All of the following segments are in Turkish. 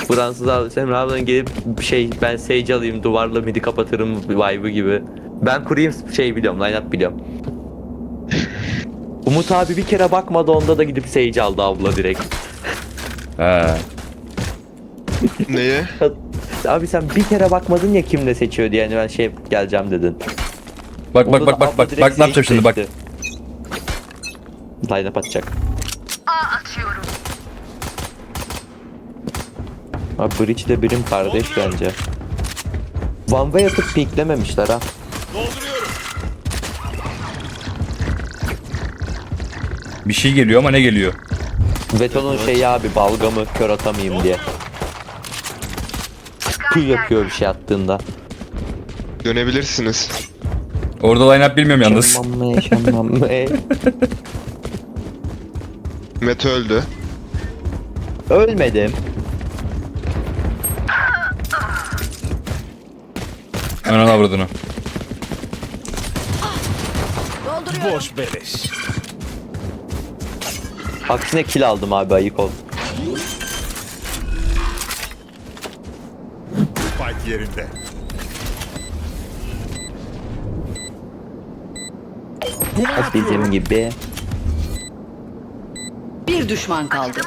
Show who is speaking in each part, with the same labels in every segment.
Speaker 1: Fransız abi Semra ablan gelip ben Sage alayım duvarla midi kapatırım vibe'ı gibi. Ben kurayım biliyorum, line up biliyorum. Umut abi bir kere bakmadı, onda da gidip Sage aldı abla direkt.
Speaker 2: He.
Speaker 3: Neye?
Speaker 1: Abi sen bir kere bakmadın ya kimle seçiyor diye, yani ben geleceğim dedin.
Speaker 2: Bak
Speaker 1: Onda da abla direkt
Speaker 2: ne yapacağım
Speaker 1: Sage
Speaker 2: şimdi bak.
Speaker 1: seçti. Line up atacak.
Speaker 4: Atıyorum.
Speaker 1: Abi Breach de birim kardeş bence. One way atıp piklememişler ha.
Speaker 2: Bir şey geliyor ama ne geliyor?
Speaker 1: Veto'nun abi balgamı kör atamayayım diye. Kül yapıyor bir şey attığında.
Speaker 3: Dönebilirsiniz.
Speaker 2: Orada line up bilmiyorum yalnız.
Speaker 1: Şammam.
Speaker 3: Mete öldü.
Speaker 1: Ölmedim.
Speaker 2: Anan avradını.
Speaker 4: Dolduruyorum.
Speaker 5: Boş beleş.
Speaker 1: Aksine kill aldım abi, ayık ol.
Speaker 5: Spike yerinde.
Speaker 1: Bizim gibi.
Speaker 6: Bir düşman kaldı.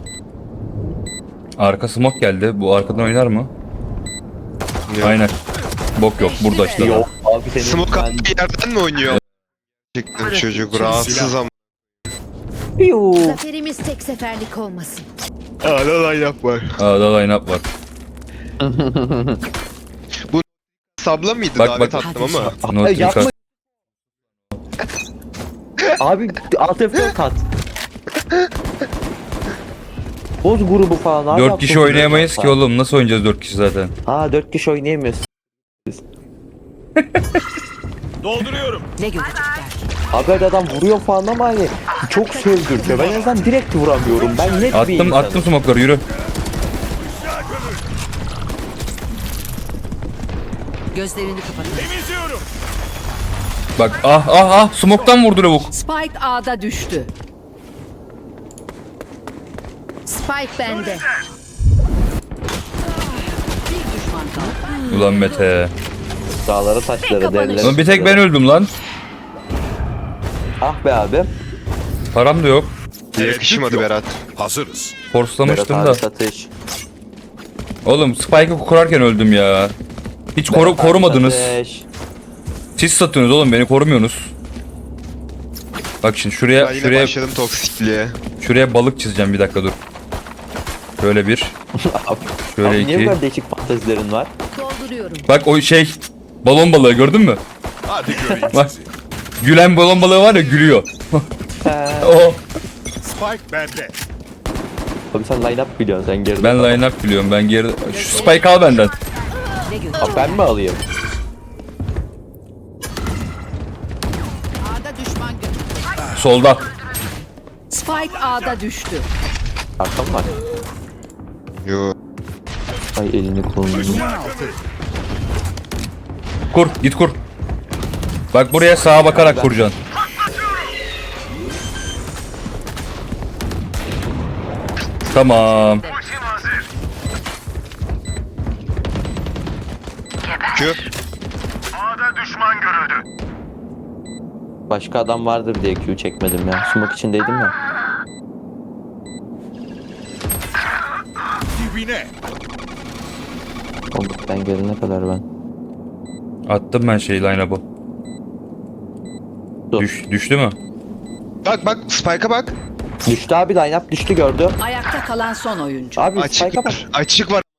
Speaker 2: Arka smoke geldi. Bu arkadan oynar mı?
Speaker 3: Yok.
Speaker 2: Aynen. Bok yok. Burada işte.
Speaker 1: Yok abi senin
Speaker 3: Smoke attığı yerden mi oynuyor? Çıktı çocuk rahatsız ama.
Speaker 1: Piu.
Speaker 4: Zaferimiz tek seferlik olmasın.
Speaker 3: Hala lan yap var.
Speaker 2: Aa da line up var.
Speaker 3: Sabla mıydı
Speaker 2: Bak,
Speaker 3: davet
Speaker 2: bak.
Speaker 3: attım ama.
Speaker 2: Not
Speaker 1: Yapma.
Speaker 2: Lucas.
Speaker 1: Abi alt F4 kat. Boz grubu falan abi.
Speaker 2: 4 kişi oynayamayız ki oğlum. Nasıl oynayacağız 4 kişi zaten?
Speaker 1: 4 kişi oynayamıyoruz.
Speaker 5: Dolduruyorum.
Speaker 6: Ne görecekler?
Speaker 1: Abi adam vuruyor falan ama hani çok sövdürtüyor. Ben en azından direkt vuramıyorum. Ben net bir insanım.
Speaker 2: Attım smoke'ları yürü.
Speaker 6: Gözlerini kapatın.
Speaker 5: Temizliyorum.
Speaker 2: Bak smoke'tan vurdu lavuk.
Speaker 6: Spike A'da düştü.
Speaker 4: Spike bende.
Speaker 6: Bir düşman kaldı.
Speaker 2: Ulan Mete.
Speaker 1: Dağları taşları derler.
Speaker 2: Lan bir tek ben öldüm lan.
Speaker 1: Ah be abi.
Speaker 2: Param da yok.
Speaker 3: Yakışmadı Berat.
Speaker 5: Hazırız.
Speaker 1: Berat
Speaker 2: Forslamıştım
Speaker 1: abi
Speaker 2: da.
Speaker 1: satış.
Speaker 2: Oğlum Spike'ı kurarken öldüm ya. Hiç
Speaker 1: Berat abi
Speaker 2: korumadınız.
Speaker 1: satış.
Speaker 2: Siz satıyorsunuz oğlum, beni korumuyorsunuz. Bak şimdi
Speaker 3: Ben yine
Speaker 2: şuraya
Speaker 3: başladım toksikliğe.
Speaker 2: balık çizeceğim, bir dakika dur. Şöyle bir. Şöyle
Speaker 1: Abi niye
Speaker 2: iki.
Speaker 1: böyle değişik fantezilerin var?
Speaker 4: Dolduruyorum.
Speaker 2: Bak o balon balığı gördün mü?
Speaker 5: Hadi göreyim
Speaker 2: Bak.
Speaker 5: sizi.
Speaker 2: Gülen balon balığı var ya, gülüyor. O.
Speaker 5: Spike bende.
Speaker 1: Abi sen line up biliyorsun, sen geride.
Speaker 2: Ben line up biliyorum, ben geri. Şu Spike al benden.
Speaker 6: Ne görecekler?
Speaker 1: Abi ben mi alayım?
Speaker 6: A'da düşman görüldü.
Speaker 2: Solda.
Speaker 6: Spike A'da düştü.
Speaker 1: Arkam var.
Speaker 3: Yo.
Speaker 1: Ay elini kolunu.
Speaker 2: Kur, git kur. Bak buraya sağa bakarak kuracaksın. Tamam.
Speaker 3: Q.
Speaker 1: Başka adam vardır diye Q çekmedim ya. Smoke içindeydim ya.
Speaker 5: Dibine.
Speaker 1: Oğlum ben gelene kadar ben.
Speaker 2: Attım ben line-up'ı.
Speaker 1: Dur.
Speaker 2: Düştü mü?
Speaker 3: Bak Spike'a bak.
Speaker 1: Düştü abi, line up düştü, gördüm.
Speaker 6: Ayakta kalan son oyuncu.
Speaker 1: Abi
Speaker 3: Açık
Speaker 1: spike'a bak.
Speaker 3: var. Açık var.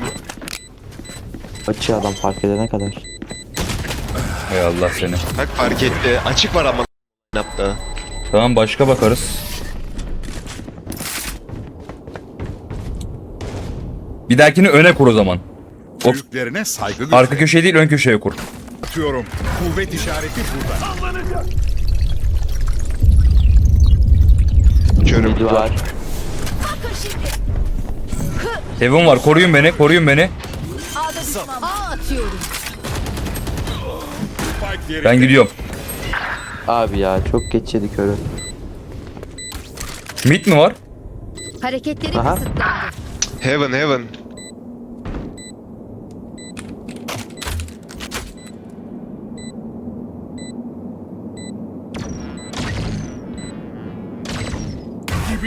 Speaker 1: Açı adam fark edene kadar.
Speaker 2: Hay Allah seni.
Speaker 3: Bak fark etti. Açık var ama yaptı.
Speaker 2: Tamam, başka bakarız. Bir dahakini öne kur o zaman. Hop.
Speaker 5: Büyüklerine saygı
Speaker 2: Arka
Speaker 5: göster.
Speaker 2: köşeye değil, ön köşeye kur.
Speaker 5: Atıyorum. Kuvvet işareti burada.
Speaker 3: Körüm.
Speaker 1: Midi var.
Speaker 2: Heaven var, koruyun beni.
Speaker 4: A'da düşman. A atıyorum.
Speaker 5: Spike yerinde.
Speaker 2: Ben gidiyorum.
Speaker 1: Abi ya çok geç yedi körü.
Speaker 2: Mid mi var?
Speaker 4: Hareketleri
Speaker 1: Aha.
Speaker 4: kısıtlandı.
Speaker 3: Heaven.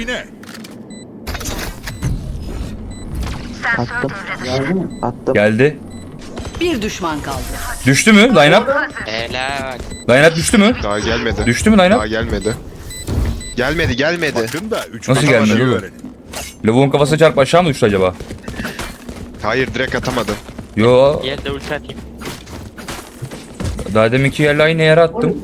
Speaker 5: Dibine.
Speaker 1: Attım. Attım.
Speaker 2: Geldi.
Speaker 6: Bir düşman kaldı.
Speaker 2: Düştü mü line-up?
Speaker 3: Helal.
Speaker 2: Line-up düştü mü?
Speaker 3: Daha gelmedi.
Speaker 2: Düştü mü
Speaker 3: Daha
Speaker 2: line-up?
Speaker 3: gelmedi. Gelmedi.
Speaker 5: Bakın da 3
Speaker 2: Nasıl gelmedi oğlum? Lavuğun kafasına çarp aşağı mı düştü acaba?
Speaker 3: Hayır direkt atamadı.
Speaker 2: Yo.
Speaker 7: Gel de ulti atayım.
Speaker 2: Daha deminki yerle aynı yere attım.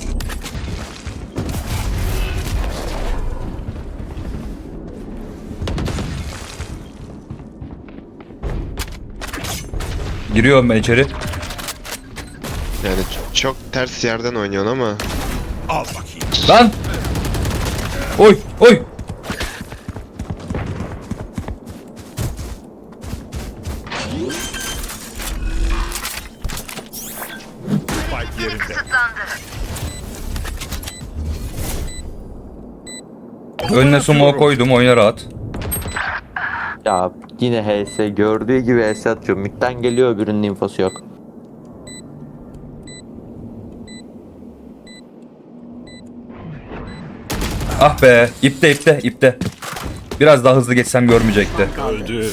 Speaker 2: Giriyorum ben içeri.
Speaker 3: Yani çok ters yerden oynuyorsun ama.
Speaker 5: Al bakayım.
Speaker 2: Lan! Oy! Oy!
Speaker 5: Spike yerinde.
Speaker 2: Önüne sumo koydum, oyna rahat.
Speaker 1: Ya yine HS gördüğü gibi HS atıyor. Mid'den geliyor, öbürünün infosu yok.
Speaker 2: Ah be! İpte. Biraz daha hızlı geçsem görmeyecekti.
Speaker 5: Öldü.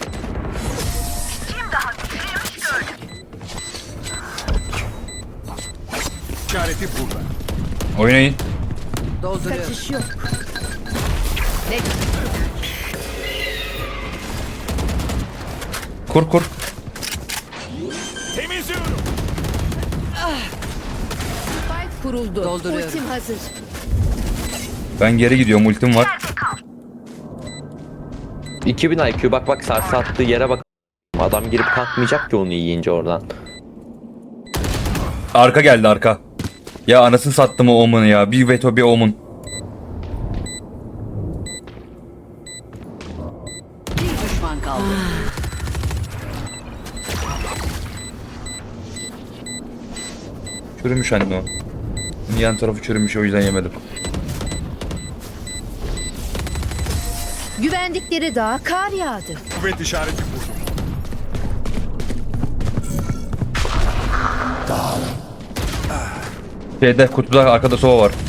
Speaker 5: İşareti burada.
Speaker 2: Oynayın.
Speaker 6: Dolduruyor.
Speaker 4: Kaçış yok.
Speaker 2: Kur.
Speaker 5: Temizliyorum.
Speaker 4: Spike kuruldu.
Speaker 6: Dolduruyorum.
Speaker 4: Ultim hazır.
Speaker 2: Ben geri gidiyorum, ultim var.
Speaker 1: 2000 IQ bak sarsı attığı yere bak. Adam girip kalkmayacak ki onu yiyince oradan.
Speaker 2: Arka geldi arka. Ya anasını sattım o Omen'ı ya. Bir veto bir Omen.
Speaker 6: Bir düşman kaldı.
Speaker 2: Çürümüş anne o. Yan tarafı çürümüş, o yüzden yemedim.
Speaker 4: Güvendikleri dağa kar yağdı.
Speaker 5: Kuvvet işareti burada.
Speaker 2: Şeyde kutuda arkada sova var.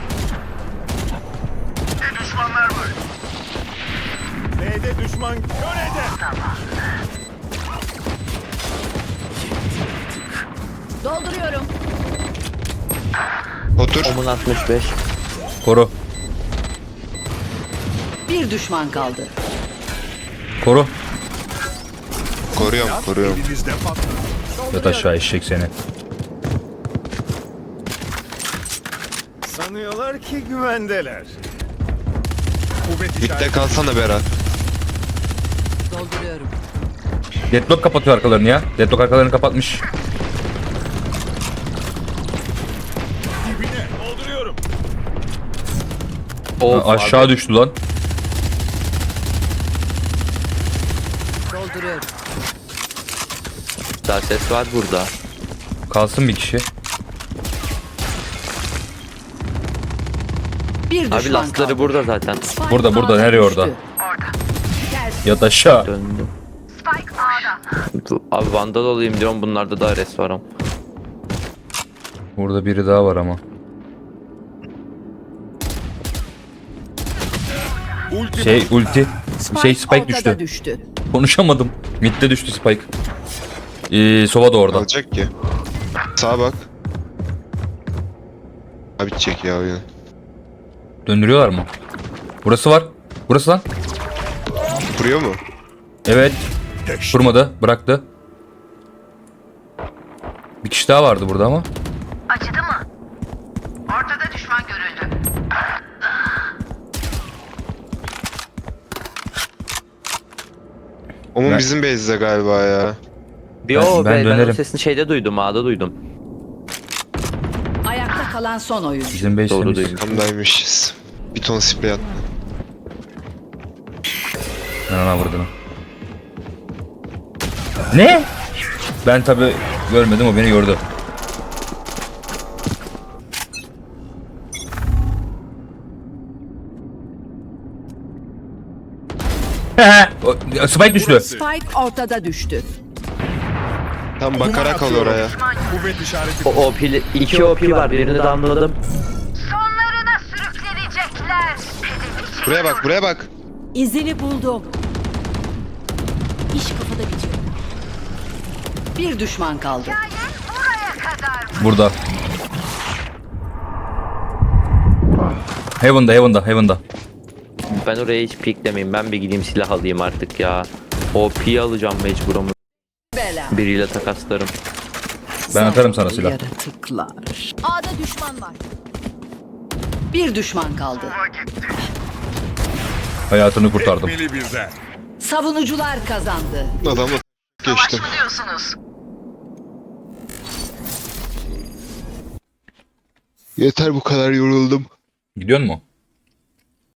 Speaker 5: B'de düşman körede.
Speaker 4: Dolduruyorum.
Speaker 3: Otur.
Speaker 1: Omun 65.
Speaker 2: Koru.
Speaker 6: Bir düşman kaldı.
Speaker 2: Koru.
Speaker 3: Koruyorum.
Speaker 5: Elinizde patladı.
Speaker 2: Yat aşağı eşek seni.
Speaker 5: Sanıyorlar ki güvendeler. Kuvvet
Speaker 3: Bitte
Speaker 5: işareti.
Speaker 3: kalsana Berat.
Speaker 6: Dolduruyorum.
Speaker 2: Deadlock kapatıyor arkalarını ya. Deadlock arkalarını kapatmış.
Speaker 5: Dibine. Dolduruyorum.
Speaker 1: Of,
Speaker 2: Aşağı
Speaker 1: abi.
Speaker 2: düştü lan.
Speaker 6: Dolduruyorum.
Speaker 1: Daha ses var burada.
Speaker 2: Kalsın bir kişi.
Speaker 6: Bir düşman
Speaker 1: Abi lastları
Speaker 6: kaldı.
Speaker 1: burada zaten.
Speaker 6: Spike
Speaker 2: Burada,
Speaker 6: ağda
Speaker 2: nereye
Speaker 6: düştü.
Speaker 2: orada? Yat aşağı.
Speaker 1: Döndüm. Abi vandal olayım diyorum, bunlarda da res var ama.
Speaker 2: Burada biri daha var ama.
Speaker 5: Ulti.
Speaker 2: Ulti. Spike
Speaker 6: ortada
Speaker 2: düştü.
Speaker 6: düştü.
Speaker 2: Konuşamadım. Mid'de düştü Spike. Sova da orada.
Speaker 3: Alacak ki. Sağa bak. Abi çek ya oyunu.
Speaker 2: Döndürüyorlar mı? Burası var. Burası lan.
Speaker 3: Kuruyor mu?
Speaker 2: Evet. Kurmadı. Bıraktı. Bir kişi daha vardı burada ama.
Speaker 8: Acıdı mı? Ortada düşman görüldü.
Speaker 3: Onun
Speaker 2: Ben-
Speaker 3: bizim base'de galiba ya.
Speaker 1: Bir
Speaker 2: Ben-
Speaker 1: o
Speaker 2: ben
Speaker 1: ben o
Speaker 2: dönerim.
Speaker 1: sesini şeyde duydum, A'da duydum.
Speaker 6: Ayakta kalan son oyuncu.
Speaker 2: Bizim base
Speaker 1: Doğru
Speaker 2: temiz.
Speaker 1: duymuş.
Speaker 3: Kamdaymışız. Bir ton sprey attı.
Speaker 2: Ben ona vurdum. Ne? Ben tabi görmedim, o beni gördü. Spike düştü.
Speaker 6: Spike ortada düştü.
Speaker 3: Tam bakarak al oraya.
Speaker 5: Kuvvet işareti.
Speaker 1: O OP'li 2 OP var, birini de anladım.
Speaker 8: Sonlarına sürüklenecekler.
Speaker 3: Buraya bak, buraya bak.
Speaker 4: İzini buldum. İş kafada bitiyor.
Speaker 6: Bir düşman kaldı.
Speaker 2: Burada. Heaven'da.
Speaker 1: Ben oraya hiç piklemeyeyim. Ben bir gideyim silah alayım artık ya. OP'yi alacağım mecburum.
Speaker 6: Bela.
Speaker 1: Biriyle takaslarım.
Speaker 2: Ben atarım sana silah.
Speaker 6: Yaratıklar.
Speaker 4: A'da düşman var.
Speaker 6: Bir düşman kaldı.
Speaker 2: Hayatını kurtardım.
Speaker 5: Tekmeli birden.
Speaker 6: Savunucular kazandı.
Speaker 3: Adamla
Speaker 8: Savaş
Speaker 3: geçtim.
Speaker 8: mı diyorsunuz?
Speaker 3: Yeter bu kadar yoruldum.
Speaker 2: Gidiyor mu?